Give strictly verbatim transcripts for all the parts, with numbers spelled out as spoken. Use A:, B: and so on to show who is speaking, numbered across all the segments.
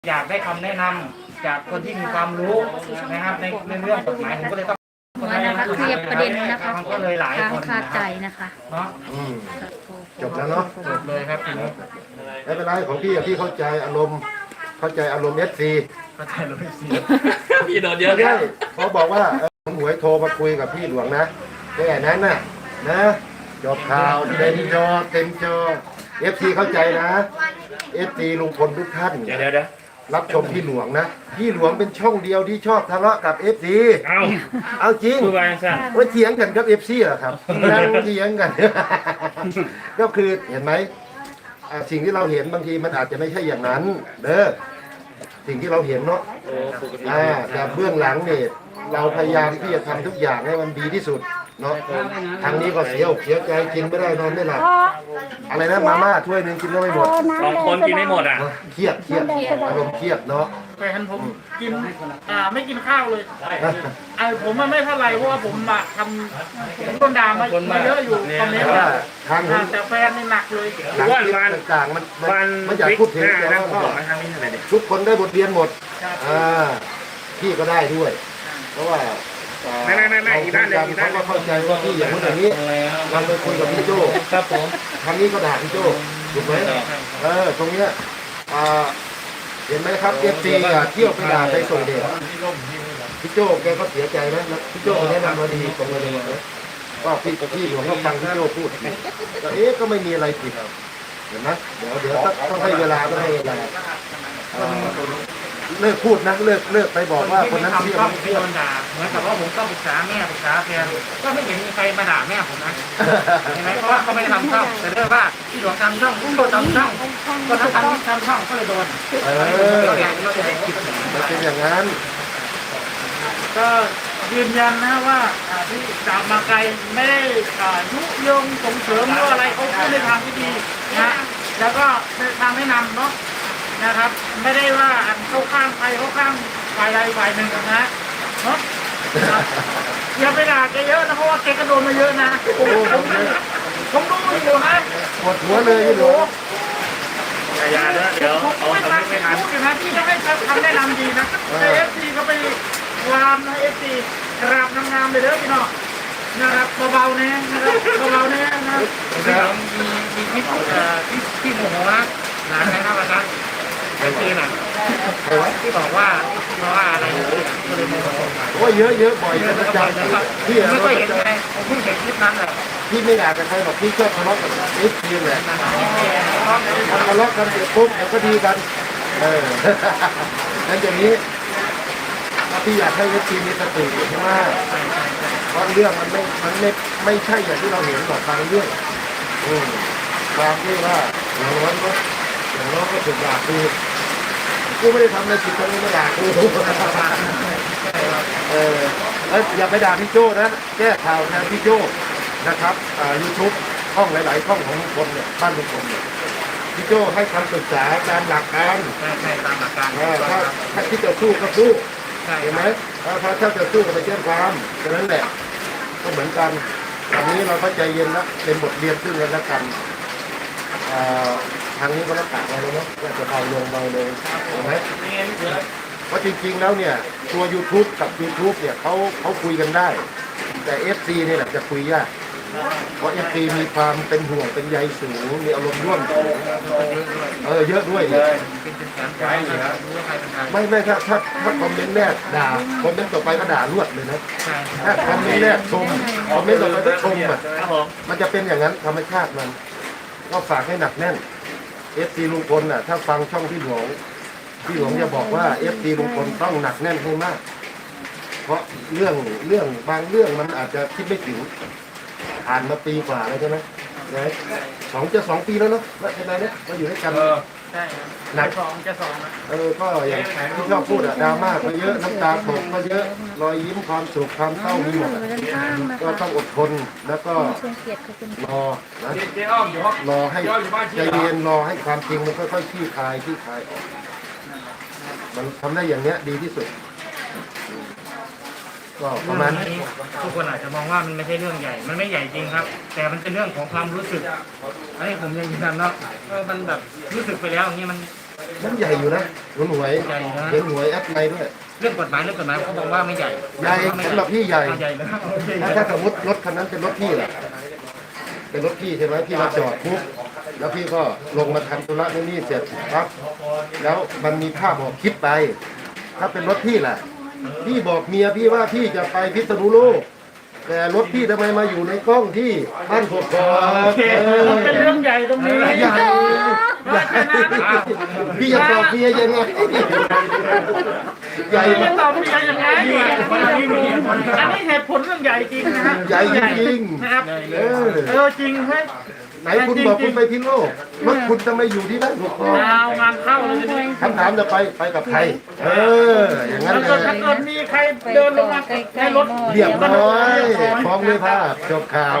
A: อยากได้คำแนะนำจากคนที่มีความรู้นะครับในเรื่องกฎหมายผมก็เลยต้อง
B: นะคะเคลียร์ประเด็นนะคะ
A: ก็เลยหลายคน
B: คาใจนะคะ
A: เนาะ
C: จบแล้วเนาะ
A: จบเลยครับทีนี้
C: ไม่เป็นไรของพี่พี่เข้าใจอารมณ์เข้าใจอารมณ์เอสซี
A: เข้าใจเลยสิ
D: พี่โดนเยอะ
C: ใช่เขาบอกว่าผมหวยโทรมาคุยกับพี่หลวงนะแค่นั้นน่ะนะจบข่าวเต็มจอเต็มจอเอฟซีเข้าใจนะเอฟซีลุงพลทุกท่าน
D: เดี๋ยวเดี๋ยวเดี๋ยว
C: รับชมพี่หลวงนะพี่หลวงเป็นช่องเดียวที่ชอบทะเลาะกับเอฟซี
D: เอา
C: เอาจริง
D: คือว่าสั่น
C: ว่าเถียงกันกับเอฟซีเหรอครับนั่งเถียงกัน ก็คือเห็นไหมอ่าสิ่งที่เราเห็นบางทีมันอาจจะไม่ใช่อย่างนั้นเด้อสิ่งที่เราเห็นเนาะ
D: โอ้ปกติ
C: อ่าแต่เบื้องหลังเนี่ยเราพยายามที่จะทำทุกอย่างให้มันดีที่สุดเนาะทางนี้ก็เสียอกเสียใจกินไม่ได้นอนไม่หลับอะไรนะมาม่าถ้วยหนึงกินก็ไม่หมด
D: สองคนกินไม่หมดอ่ะ
C: เครียดเครียดอารมณ์เครียดเนาะ
A: แฟนผมกินอ่าไม่กินข้าวเลยไอ้ผมมันไม่เท่าไหร่เพราะว่าผมมาทำผมโดนด่ามามาเยอะอยู่คอมเมนต์
C: ว่าทาง
A: อ่าแต่แฟนนี่หนักเลย
C: หลังคลิปต่างๆมันมัน
D: วัน
C: มันอยาก
D: ฟิก
C: พูดถึง
D: หน้า
C: แต่
D: นะ
C: ว่า
D: ผมบอกมาทางนี้หน่อยดิ
C: ทุกคนได้บทเรียนหมดอ่าพี่ก็ได้ด้วย เพราะว่า
D: ไม่ไม่ไม่ไม่อีกด้านหนึ่งอีกด้า
C: เขา
D: นหนึ่ง
C: ก็เข้าใจว่าพี่อย่างนู้นอย่างนี้เราไปคุยกับพี่โจ้
D: ครับผม
C: ทางนี้ก็ด่าพี่โจ้ถูกไหมเออตรงเนี้ยอ่าเห็นไหมครับเอฟซีเที่ยวไปด่าไปส่งเดชพี่โจ้แกก็เสียใจนะแล้วพี่โจ้แนะนำมาดีตรงเลยนะก็พี่กับพี่หลวงก็ฟังพี่โจ้พูดก็เอ๊ะก็ไม่มีอะไรผิดเห็นไหมเดี๋ยวเดี๋ยวต้องให้เวลาต้องให้เวลาอ่าเลิกพูดนะเลิกเลิกไปบอกว่าคนนั้น
A: ทำ
C: เที่ยว
A: ช่อง
C: ไม่
A: ที่
C: เที่ยว
A: โดนด่าเหมือนกับว่าผมต้องปรึกษาแม่ปรึกษาแฟนก็ไม่เห็นมีใครมาด่าแม่ผมนะเห็นไหมเพราะว่าเขาไม่ได้ทำช่องแต่เรื่องว่าพี่หลวงทำช่องพี่โดนทำช่องก็ทำทำทำช่องก็เลยโดน
C: เออมันเป็นอย่างนั้น
A: ก็ยืนยันนะว่าอ่าที่จับมาไกลไม่ได้อ่ายุยงส่งเสริมหรืออะไรเขาพูดในทางที่ดีนะแล้วก็ในทางแนะนำเนาะนะครับ ไม่ได้ว่าอันเข้าข้างใครเข้าข้างฝ่ายใดฝ่ายหนึ่งนะเนาะอย่าไปด่าแกเยอะนะเพราะว่าแกกระโดนมาเยอะนะผมผมผมดูอยู่นะ
C: ปวดหัวเลยพี่หลวง
D: อย่าเด้อเดี๋ยวเอา
A: ไม่
D: ทำ
A: ทั
D: ไม่
A: น
D: ไม่ทัน
A: พูดอยู่นะที่จะให้คำแนะนำดีนะแต่เอฟซีเขาไปวามนะเอฟซีกราบงามๆเลยเด้อพี่น้องนะครับเบาๆเนี่ยนะครับเบาๆเนี่ยนะครับมีมีคลิปเอ่อที่ที่โมโหนะหลานนะครับอาจารย์ไอ้คืนอ่ะที่บอกว่าเพราะว่าอะไรก็เลยโมโห
C: โอ้ยเยอะเยอะบ่อยเป็นประจำพี่
A: ไม่เคยเห็นไงผมเพิ่งเห็นคลิปนั้นแหละ
C: พี่ไม่อยากจะใครหรอกพี่ชอบทะเลาะกับเอฟซีแหละทะเลาะกันเสร็จปุ๊บเดี๋ยวก็ดีกันเออนั้นอย่างนี้พี่อยากให้เอฟซีมีสติมากเพราะเรื่องมันไม่มันไม่ไม่ใช่อย่างที่เราเห็นหรอกบางเรื่องอืมความที่ว่าอย่างน้อยก็อย่างน้อยก็ถูกด่าคือกูไม่ได้ทำอะไรผิดตรงนี้มาด่ากูเออแล้วอย่าไปด่าพี่โจ้นะแก้ข่าวแทนพี่โจ้นะครับอ่ายูทูบช่องหลายๆช่องของลุงพลเนี่ยบ้านลุงพลเนี่ยพี่โจ้ให้คำปรึกษาตามหลักการ
A: ใช่ใช่ตามหลักการ
C: เออถ้าถ้าที่จะสู้ก็สู้
A: ใช่
C: เห็นไหมถ้าถ้าถ้าจะสู้ก็ไปแจ้งความแค่นั้นแหละก็เหมือนกันตอนนี้เราก็ใจเย็นแล้วเป็นบทเรียนซึ่งกันและกันอ่าทางนี้ก็รับปากเราแล้วเนาะว่าจะเบาลงเบาลงเห็นไหมเพราะจริงๆแล้วเนี่ยตัว YouTube กับ YouTube เนี่ยเขาเขาคุยกันได้ แต่ เอฟ ซี เนี่ยแหละจะคุยยากเพราะ เอฟ ซี มีความเป็นห่วงเป็นใยสูงมีอารมณ์ร่วมสูงเออเยอะด้วยดิ
A: เป็นเป็นแสนใจเลยครับรู้ว่าใครเป็นใคร
C: ไม่ไม่ถ้าถ้าถ้าคอมเมนต์แรกด่าคอมเมนต์ต่อไปก็ด่ารวดเลยนะ
A: ใช่
C: ถ้าคอมเมนต์แรกชมคอมเมนต์ต่อไปก็ชมอ่ะ
D: ครับผม
C: มันจะเป็นอย่างนั้นธรรมชาติมันก็ฝากให้หนักแน่น เอฟ ซี ลุงพลน่ะถ้าฟังช่องพี่หลวงพี่หลวงจะบอกว่า เอฟ ซี ลุงพลต้องหนักแน่นให้มาก เพราะเรื่องเรื่องบางเรื่องมันอาจจะคิดไม่ถึงผ่านมาปีกว่าแล้วใช่ไหมนะสองจะสองปีแล้วเนาะใช่ไหมเนี่ยมาอยู่ด้วยกัน
A: ใช่ครับหนักสองจะสองนะ
C: เออก็อย่างที่ชอบพูดอะดราม่าก็เยอะน้ำตาตกก็เยอะรอยยิ้มความสุขความเศร้ามีหมดอะก็ต้องอดทนแล้วก็
B: เชิญเกียรติขอบคุณ
C: รอนะ
D: เจ๊อ้อมอยู่ห้อง
C: รอให้ใจเย็นรอให้ความจริงมันค่อยๆคลี่คลายคลี่คลายออกมันทำได้อย่างเนี้ยดีที่สุดก็ประมาณนี้
A: ทุกคนอาจจะมองว่ามันไม่ใช่เรื่องใหญ่ มันไม่ใหญ่จริงครับ แต่มันเป็นเรื่องของความรู้สึกอันนี้ผมยังยืนยันเนาะเออมันแบบรู้สึกไปแล้วอย่างนี้มัน
C: มันใหญ่อยู่นะคุณหวยเห็นหวยแอปในด้วย
D: เรื่องกฎหมายเรื่องกฎหมายเขาบอกว่าไม่ใหญ่
C: ใหญ่สำหรับพี่ใหญ่
D: ใหญ่นะครับ
C: ถ้าถ้าสมมติรถคันนั้นเป็นรถพี่แหละเป็นรถพี่ใช่ไหมพี่มาจอดปุ๊บแล้วพี่ก็ลงมาทำธุระนู่นนี่เสร็จครับ แล้วมันมีภาพบอกคลิปไป ถ้าเป็นรถพี่ล่ะ พี่บอกเมียพี่ว่าพี่จะไปพิษณุโลกแต่รถพี่ทำไมมาอยู่ในกล้องที่บ้านกกอก
A: โอเคมันเป็นเรื่องใหญ่ตรงนี้
C: ใหญ่ใหญ่พี่จะตอบเมียยังไงใหญ่
A: พี่
C: มา
A: จะ
C: ก
A: ตอบพี่ยังไงอันนี้เหตุผลเรื่องใหญ่จริงนะฮะ
C: ใหญ่จริง
A: นะครับ
C: ๆเออ
A: เออจริงเฮ้ย
C: ไหนคุณบอกคุณไปพิษณุโลกรถคุณทำไมอยู่ที่บ้านกกอก
A: เอางานเข้าเลยทีนี้
C: คำถามจะไปไปกับใคร เออ อย่างนั้น
A: แล้ว
C: เล
A: ก็ถ้าย เกิดมีใครเดินลงมาในรถ
C: เรียบร้อยฟ้องด้วยภาพจบข่าว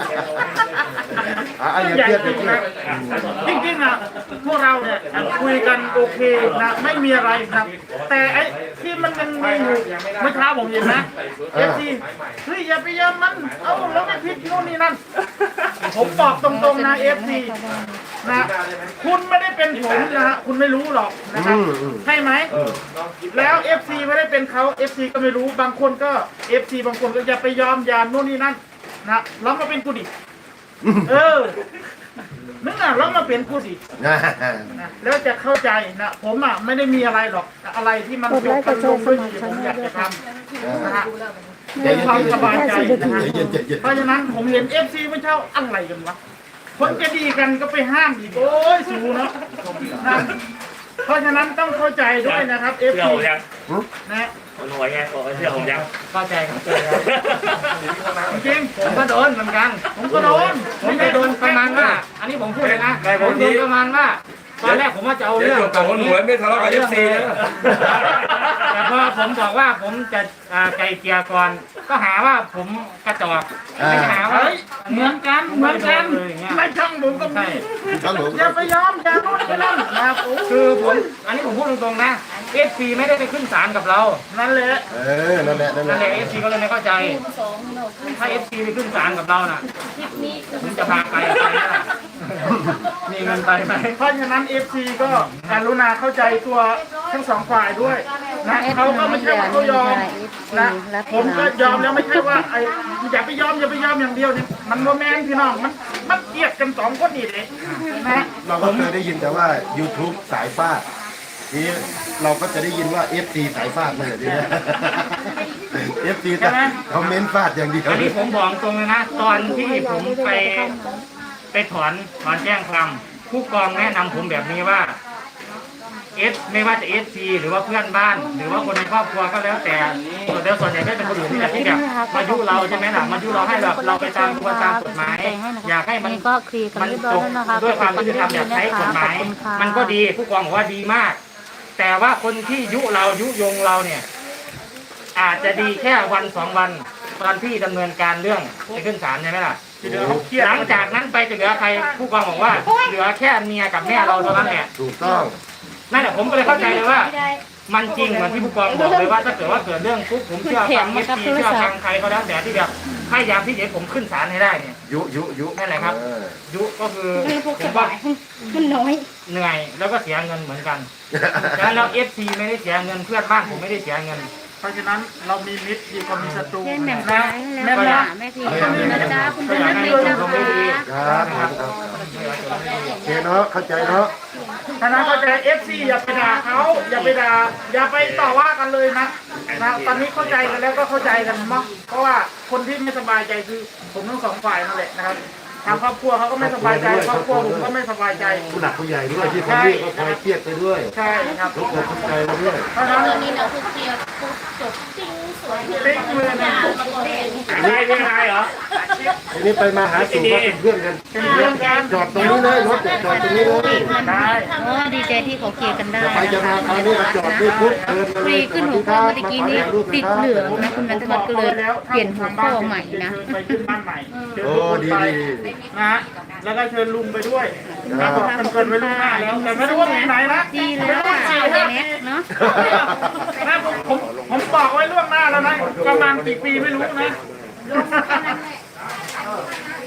C: อ่ะอย่าเครียดอย่าเครียด
A: จริงๆนะพวกเราเนี่ยคุยกันโอเคนะไม่มีอะไรนะแต่ไอ้ที่มันยังมีอยู่เมื่อเช้าผมเห็นนะเอฟซีเฮ้ยอย่าไปยอมมันเอ้าแล้วไม่ผิดนู่นนี่นั่นผมบอกตรงๆนะเอฟซีนะคุณไม่ได้เป็นผมนะฮะคุณไม่รู้หรอกนะครับใช่ไหมแล้วเอฟซีไม่ได้เป็นเขาเอฟซีก็ไม่รู้บางคนก็เอฟซีบางคนก็อย่าไปยอมยามนู่นนี่นั่นนะลองมาเป็นกูดิเออนึกอ่ะลองมาเป็นกูดินะแล้วจะเข้าใจนะผมอ่ะไม่ได้มีอะไรหรอกอะไรที่มันยกกันลงด้วยดีผมอยากจะทำนะฮะด้วยความสบายใจนะฮะเพราะฉะนั้นผมเห็นเอฟซีไม่เช่าอะไรกันวะคนจะดีกันก็ไปห้ามอีกโอ้ยสูเนาะนะเพราะฉะนั้นต้องเข้าใจด้วยนะครับเอฟ
D: เชื่อ
A: ซี
D: ผมยัง
A: นะ
D: คนหัวไงบอกเชื่อผมยัง
A: เข้าใจครับจริง
E: ผมก็โดนเหมือนกัน
A: ผมก็โดน
E: ผมจะโดนประมาณว่า อันนี้ผมพูดเลยนะผมโดนประมาณว่า ตอนแรกผมว่าจะเอาเรื่องกับคนหัวไม่ทะเลาะกับเอฟซีแต่พอผมบอกว่าผมจะอ่าไกลเกลี่ยก่อน ก็หาว่าผมกระจอกไม่หาว่า
A: เฮ้ยเหมือนกันเหมือนกันไม่ช่างผมก็มี
C: ครับผม
A: อย่าไปยอมอย่าโน่นอย่านั่นนะครับโอ้
E: คือผมอันนี้ผมพูดตรงๆนะเอฟซีไม่ได้ไปขึ้นศาลกับเรา
A: นั่นแหละ
C: เออ นั่นแหละ นั่นแห
E: นั่
C: ละ
E: นแหละเอฟซีก็เลยไม่เข้าใจ ถ้าเอฟซีไปขึ้นศาลกับเราน่ะผมจะพาไปไปไหมล่ะมีเงินไปไหม
A: เพราะฉะนั้นเอฟซีก็กรุณาเข้าใจตัวทั้งสองฝ่ายด้วยนะเขาก็ไม่ใช่ว่าเขายอมนะผมก็ยอมแล้วไม่ใช่ว่าไอ้อย่าไปยอมอย่าไปยอมอย่างเดียวเนี่ยมันโมแมนพี่น้องมันมันเกลียดกันสองคนนี่เลยนะ
C: เราก็เคยได้ยินแต่ว่า YouTube สายฟาดนี้เราก็จะได้ยินว่า เอฟ ซี สายฟาดเลยทีนี้ เอฟ ซี แต่คอมเมนต์ฟาดอย่างเดียว
E: อันนี้ผมบอกตรงเลยนะ ตอนที่ผมไปไปถอนถอนแจ้งความผู้กองแนะนำผมแบบนี้ว่าเอสไม่ว่าจะเอสซีหรือว่าเพื่อนบ้าน หรือว่าคนในครอบครัวก็แล้วแต่ส่วนเดียวส่วนใหญ่ก็เป็นคนอื่นที่แบบที่แบบมายุเราใช่ไหมล่ะมายุเราให้แบบเราไปตามกระบวนการกฎหมาย อยากให้มัน
B: นี่ก็เคลียร์กัน
E: มัน
B: เรียบร้อ
E: จ
B: ย
E: บ
B: แล้วนะคะ
E: ด้วยความยุติธรรมอยากใช้กฎหมาย
B: ขอบคุณค่ะ
E: มันก็ดีผู้กองบอกว่าดีมาก แต่ว่าคนที่ยุเรายุยงเราเนี่ย อาจจะดีแค่วันสองวันตอนที่ดำเนินการเรื่องไปขึ้นศาลใช่ไหมล่ะหลังจากนั้นไปจะเหลือใครผู้กองบอกว่า เหลือแค่เมียกับแม่เราเท่านั้นแหละ
C: ถูกต้อง
E: นั่นแหละผมก็เลยเข้าใจเลยว่า มันจริงเหมือนที่ผู้กองบอกเลยว่าถ้าเกิดว่าเกิดเรื่องปุ๊บผมเชื่อฟังเอฟซีเชื่อฟังใครก็แล้วแต่ที่แบบพยายามที่จะให้ผมขึ้นศาลให้ได้เนี่ย
C: ยุยุยุ
E: นั่นแหละครับ
C: เออ
E: ยุก็คือผม
B: มัน
E: ว่า
B: น้อย
E: เหนื่อยแล้วก็เสียเงินเหมือนกันดังนั้นแล้วเอฟซีไม่ได้เสียเงินเพื่อนบ้านผมไม่ได้เสียเงิน
A: เพราะฉะนั้นเรามีมิตรดีกว่ามีศัตรู
B: แม่แหม่ม
A: นะ
B: แล้ว
A: แม่
B: ค่ะ
A: นะ
B: แม่ทีขอบคุณนะจ๊ะคุณเป็นนักเรียนนะคะ
C: ครับครับครับโอเคเนาะ เข้าใจเนาะ
A: ฉะนั้นเข้าใจเอฟซีอย่าไปด่าเขาอย่าไปด่าอย่าไปต่อว่ากันเลยนะนะตอนนี้เข้าใจกันแล้วก็เข้าใจกันมั้งเพราะว่าคนที่ไม่สบายใจคือผมทั้งสองฝ่ายนั่นแหละนะครับทางครอบครัวเขาก็ไม่สบายใจครอบครัวผมก็ไม่สบายใจ
C: ผู้หลักผู้ใหญ่ด้วยที่คนนี้ก็คอยเครียดไปด้วย
A: ใช่ครับ
C: ทุกคนเข้าใจมาด้วย
A: เพราะฉะนั้น
F: นี่เราคือเคลียร์ปุ๊บจบติ้งสวย
A: ติ๊กมือนะ
D: ไม่ไม่ไงเหรอ
C: ทีนี้ไปมาหาสู่ก็เป็นเพื่อนกัน
A: เป็นเรื่องกัน
C: จอดตรงนี้เลยรถจอดตรงนี้เลย
A: ได้
B: โอ้ดีใจที่เขาเคลียร์กันได้
C: จะไปจะมาคราวนี้มาจอดด้วยปุ๊บเดินมา
B: ฟ
C: เล
B: รี
C: ย
B: ขึ้นหัวข้อเมื่อกี้นี้ติดเหลืองนะคุณนันทวัฒน์ก็เลยเปลี่ยนหัวข้อใหม่นะ
A: ไปขึ้นบ้านใหม่เชิญ
C: โอ้
A: ทุกคน
C: ดี
A: ไป
C: ดี
A: นะฮะแล้วก็เชิญลุงไปด้วยนะบอกกันเกินไว้ล่วงหน้าแล้วแต่ไม่รู้ว่าที่ไหนนะ
B: ดีเลยค่ะแน็กเนาะ
A: นะผมผมผมบอกไว้ล่วงหน้าแล้วนะประมาณกี่ปีไม่รู้นะ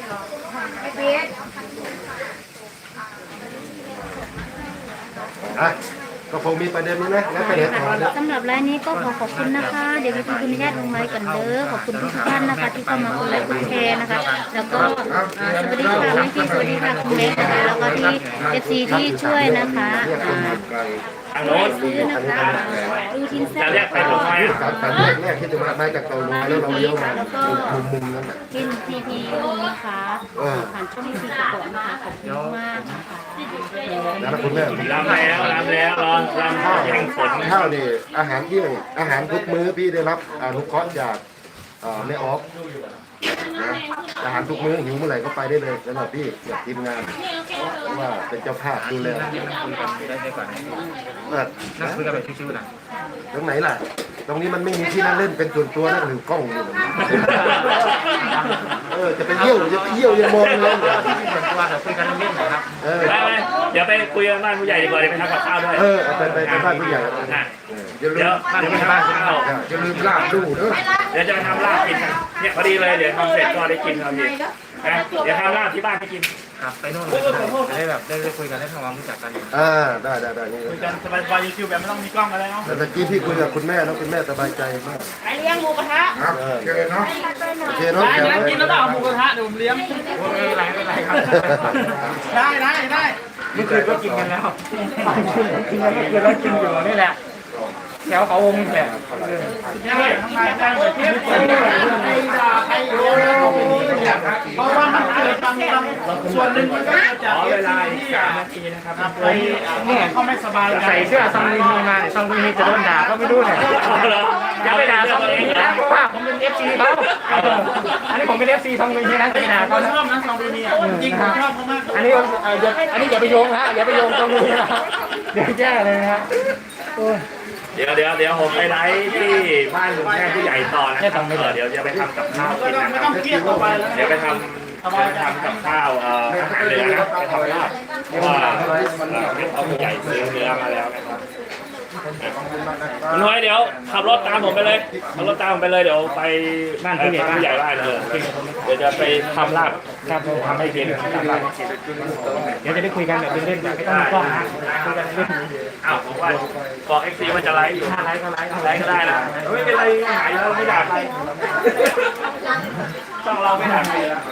C: อ่ะก็คงมีประเด็นนี้นะแล้วก็เดี๋ยวถอนนะ
B: สำหรับรายนี้ก็ขอขอบคุณนะคะ เดี๋ยวมีคุณอนุญาตลงไลน์กันเด้อขอบคุณทุกท่านนะคะ ที่เข้ามากดไลค์กดแชร์นะคะ แล้วก็อ่าสวัสดีค่ะแม่พี่สวัสดีค่ะคุณเล็กนะคะแล้วก็ที่เอฟซีที่ช่วยนะคะอ่า
D: ทางโน้น
B: ซื้อนะคะดูทินแซ่
D: จะเรียกใครผมไหม
C: สามสามแรกแรกที่จะมามาจากเกาหลีแล้วเราเลี้ยวมามุมมุมนั้นแหละ
B: กินพีพีนะคะผ่านช่องพีพีประกอบนะคะขอบคุณมากนะคะ
C: แล้วคุณแม่
D: รำแล้วรำแล้วรอนรำข้าวแข่งฝน
C: ข้าวนี่อาหารเที่ยงอาหารทุกมื้อพี่ได้รับอนุเคราะห์จากเอ่อแม่ออฟนะอาหารทุกมื้อหิวเมื่อไหร่ก็ไปได้เลยสำหรับพี่กับทีมงานเพราะว่าเป็นเจ้าภาพดูแล
E: ได้ได้ก่อน
C: เออ
E: นั่งคุยกันแบบชิวๆหน่อย
C: ตรงไหนล่ะ ตรงนี้มันไม่มีที่นั่งเล่นเป็นส่วนตัวนั่งถือกล้องอยู่แบบนี้เออจะไปเยี่ยวจะไปเยี่ยวยังมองเลย
E: ที่มีส่วนตัวเดี๋ยวคุยกันเล่นๆหน่อยครับ
C: เออ
D: ไปไปเดี๋ยวไปคุยกันบ้านผู้ใหญ่ดีกว่าเดี๋ยวไปทำกับข้าวด้วย
C: เออเอาไปไปไปบ้านผู้ใหญ่
D: อ่ะ
C: อย่าลื
D: เดี๋ยว
C: ม
D: เดี๋ยวไปทำข้าว
C: อย่าลืมลาบดูเด้อ
D: เดี๋ยวจะไปทำลาบกินกันเนี่ยพอดีเลยเดี๋ยวทำเสร็จก็ได้กินครับพี่นะเดี๋ยวทำลาบที่บ้านให้กิน
E: ครับไปโน่นเลยจะได้แบบได้ได้คุยกันได้ทำความรู้จักกันอยู่
C: อ่าได้ได้ได้นี่
A: คุยกันสบายๆชิวๆแบบไม่ต้องมีกล้องอะไรเนาะ
C: แต่ตะกี้พี่คุยกับคุณแม่แล้วคุณแม่สบายใจมาก
F: ไปเลี้ยงหมูกระทะ
C: ครับโอเคเนาะโอเคเนาะ
A: ได้นะกินแล้วก็เอาหมูกระทะเดี๋ยวผมเลี้ยง
E: ไม่เป็นไรไม่เป็นไรครับ
A: ได้ได้ได้
E: เมื่อคืนก็กินกันแล้วกินกันเมื่อคืนแล้วกินอยู่นี่แหละแถวเขาวงนี่แหละ
A: ได้ทำไมได้เหมือนที่คนใครด่าใครโอ้ยเพราะว่ามันเกิดบางบางส่วนหนึ่งมันก็เกิดจาก
D: ขอ
A: เอ
D: เว
A: ฟ
D: ลา
A: ซี
D: อีก
A: ที่
D: สา
A: อ่ะ
D: มนาทีนะครับ
A: ไปเนี่ยเขาไม่สบายใจ
E: ใส่เสื้อซองลุยฮีมาเนี่ยซองลุยฮีจะโดนด่าก็ไม่รู้เนี่ยอย่าไปด่าซองลุยฮีนะเพราะว่าผมเป็นเอฟซีเขาอันนี้ผมเป็นเอฟซีซองลุยฮีนะจะไปด่า
A: เขา
E: เขา
A: ชอบนะซองดูนี่อ่ะจริงผมชอบเขามาก
E: อันนี้อย่าอันนี้อย่าไปโยงนะอย่าไปโยงซองลุยฮีนะเดี๋ยวแย่เลยนะ
D: เดี๋ยวเดี๋ยวเดี๋ยวผมไปไลฟ์ที่บ้านคุณแม่ผู้ใหญ่ต่อนะครับเออเดี๋ยวจะไปทำกับข้าว
A: ไม่
D: กิน
A: ต้อง
D: นะ
A: ไม่
D: ค
A: ต้
D: รั
A: อบ งเครียดต่อไปแล้ว
D: เดี๋ยวไปทำไปทำกับข้าวเอ่ออาหารเหนือนะไปทำลาบเพราะว่าเอ่อเขาผู้ใหญ่ซื้อเนื้อมาแล้วนะครับน้อยเดี๋ยวขับรถตามผมไปเลยขับรถตามผมไปเลยเดี๋ยวไปบ้านผู้ใหญ่ผู้ใหญ่บ้านเออเดี๋ยวจะไปทำลาบครับทำให้กินทำลาบ
E: เดี๋ยวจะได้คุยกันแบบเล่นๆแบบไม่ต้องมีกล้องนะคุยกันเล่น
D: อ้าวผมว่าบอกเอ็กซีมันจะไลฟ์อยู่
E: ๆถ้าไลฟ์ก็ไลฟ์
D: ไลฟ์ก็ได้นะไม่เป็นไรหายแล้วไม่ด่าใครต้องเราไม่ด่าใครแล้ว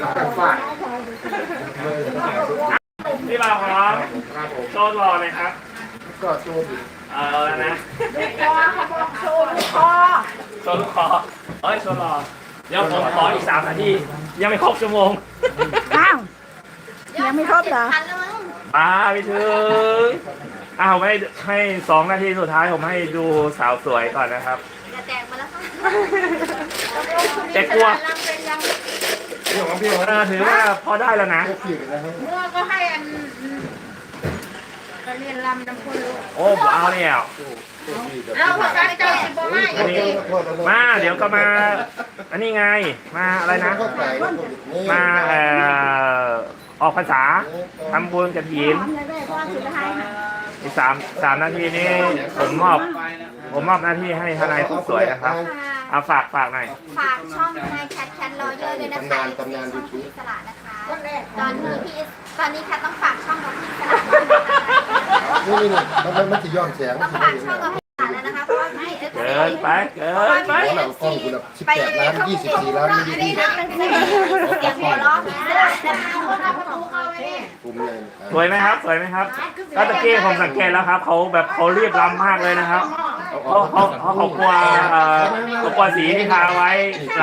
D: พี่บ่าวครับโชว์รอเลยครับ
C: ก็ตัว
D: เออนะ
F: คอเขาบอกโชว์ลูกคอ
D: โชว์ลูกคอเอ้ยโชว์รอเดี๋ยวผมขออีกสามนาทียังไม่ครบชั่วโมง
F: อ้าวยังไม่ครบเหรอ
D: มาไปถึงอ้าวให้ให้สองนาทีสุดท้ายผมให้ดูสาวสวยก่อนนะครับ
F: จะแตกมาแล้ว
D: แต่กลัว
C: เรื่องของพี่
D: เออถือว่าพอได้แล้วนะ
C: เจ้าพี่นะครับ
F: เมื่อก็ให้อันก็เรียนรำน้ำพุลูก
D: โอ้เอาเนี่ย
F: เอาพอการเจ้าสิบโมไม่
D: อันนี้มาเดี๋ยวก็มา อันนี้ไง มาอะไรนะ มาเอ่อออกภาษาทำบุญกับหิน
F: เลยแม่พ่อสุดท้าย
D: อีกสามสามนาทีนี้ผมมอบ ผมมอบหน้าที่ให้ทนายผู้สวยนะครับ เอาฝากฝากหน่อย
G: ฝากช่องนายแคทแคทรอเยอร์ด้วยนะคะช่องพี่สละนะคะ ตอนนี้พี่ตอนนี้แคทต้องฝากช่องกับพี่สละ
C: นี่นี่มันมันมันจะย้อนแสง
G: ต้องฝากช่องกับพี่สละแล้วนะคะเพราะว่าพี่เอฟ
D: เกินไปเกินไป
C: หลังกล้องคุณสิบแปดล้านยี่สิบสี่ล้านมิลลิลิตร
G: เสียงหัวเราะพี่สละนะคะคนเอาประตูเข้าไปดิ
C: ภูมิใจ
D: สวยไหมครับ สวยไหมครับก็ตะกี้ผมสังเกตแล้วครับ เขาแบบเขารีบรำมากเลยนะครับเขาเขาเขาเขากลัวเอ่อเขากลัวสีที่ทาไว้ไหล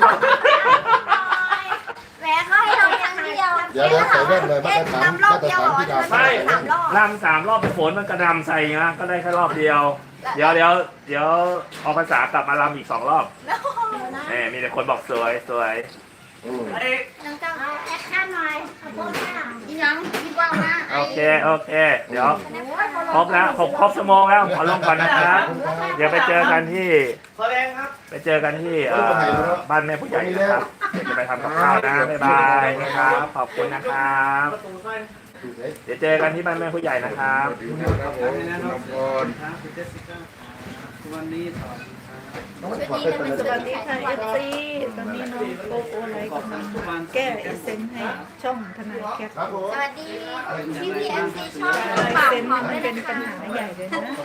G: แหมเขาให้เราอย่างเดียว
C: เดี๋ยวเดี๋ยวใส่แว่นเลยมาตรฐาน
G: ทำรอ
C: มา
G: บ
C: ตร
G: เดียว
C: ฐาน
G: เหรอ
C: ที่ดาว
G: เธอ
D: ไม่
G: สามรอบ
D: รำสามรอบไปฝนมันกระดำใส่นะก็ได้แค่รอบเดียว เดี๋ยวเดี๋ยวเดี๋ยวออกภาษากลับมารำอีกสองรอบเน่มีแต่คนบอกสวยสวย
C: อืม
G: น้องเจ้าแอคชั่นหน่อยขอบคุณค่ะอีหยังคิดว่านะ
D: โอเคโอเค เดี๋ยวครบแล้วครบครบชั่วโมงแล้วขอลงก่อนนะครับ เดี๋ยวไปเจอกันที่
A: แสดงครับ
D: ไปเจอกันที่เอ่อบ้านแม่ผู้ใหญ่นะครับเดี๋ยวจะไปทำกับข้าวนะบ๊ายบายนะครับขอบคุณนะครับ
A: ประตูใส่
D: เดี๋ยวเจอกันที่บ้านแม่ผู้ใหญ่นะครับ
C: ครับผมคุณอภร
H: วันนี้ถอด
C: น้องถอดเป็น
F: สวัสดีค่ะเอฟซีตอนนี้น้องโกโก้ไลท์กำลังแก้เอเซนให้ช่องทนายแคท
C: ครับผม
G: สวัสดีพี่พีเอ็มซีช่อง
F: ลาย
G: ปาก
F: เซ็น
G: หอม
F: มั
G: ด้วน ย
F: เป็น
G: นะ
F: ปัญ
G: คะ
F: หาใหญ่เลยนะถ้า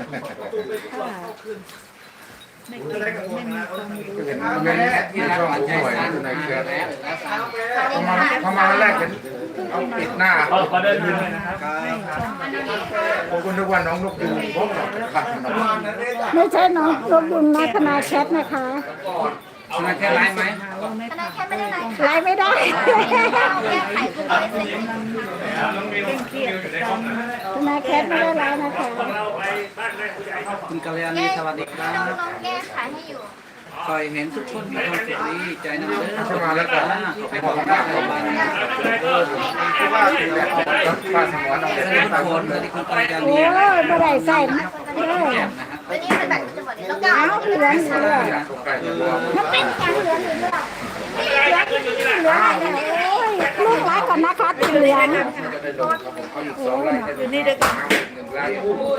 F: ไม่เก่งไม่มีความรู้
C: เห็นแม่ที่ช่องหน่วยในแคร์พอมาพอมาแรกเห็นเอาปิดหน้า
D: ขอขอเดินทางเลยนะครับ
C: ผมก็นึกว่าน้องนกยูงพบกับขัดน้อง
I: ไม่ใช่น้องลบยุงนะทนายแคทนะคะ
H: ทนายแค่ไลฟ์ไหม
F: หาว่าไม่
G: ทนายแค่ไม่ได้ไหน
I: ไลฟ์ไม่ได้
G: เราแก้ไขคือไม่ได้เสร็จ
F: เคร่งเครียดกับการ
I: ทนายแคทไม่ได้ไลฟ์นะคะ
H: คุณกัลยาณี
G: แก้
H: สวัสดีครั
G: น้อง
H: บ
G: น้องแก้ไขให้อยู่
H: คอยเห็นทุกคนมีความสุขดีใจนะเด้อ
C: เข้ามาแล้วก็
H: ไปบอกกันได้เลยบ้าน
C: ที่ว่าเป็นแบบป้าสมรน้อง
H: ส
C: เป็น
H: วัสดี
C: ป้า
H: ทุก
C: ส
H: ค
C: ม
H: น
C: ร
H: สวัสดีคุณกัลยา
I: โอ้
H: ณี
I: ยไม่ได้ใส่นะเด้อ
G: วันนี้เป็นแบบจะหมดแล้วก็
I: เอาเหลืองเหลือง
C: ตกใจเลยว่า
I: มันเป็นการเหลืองเหลืองเหลืองเหลืองโอ้ยลูกไลฟ์ก่อนนะคะเหลือง
C: จะได้ลงครับผมเอาอีกสองไร่ได้
F: อยู่นี่ด้วยกัน
C: หนึ่งไร่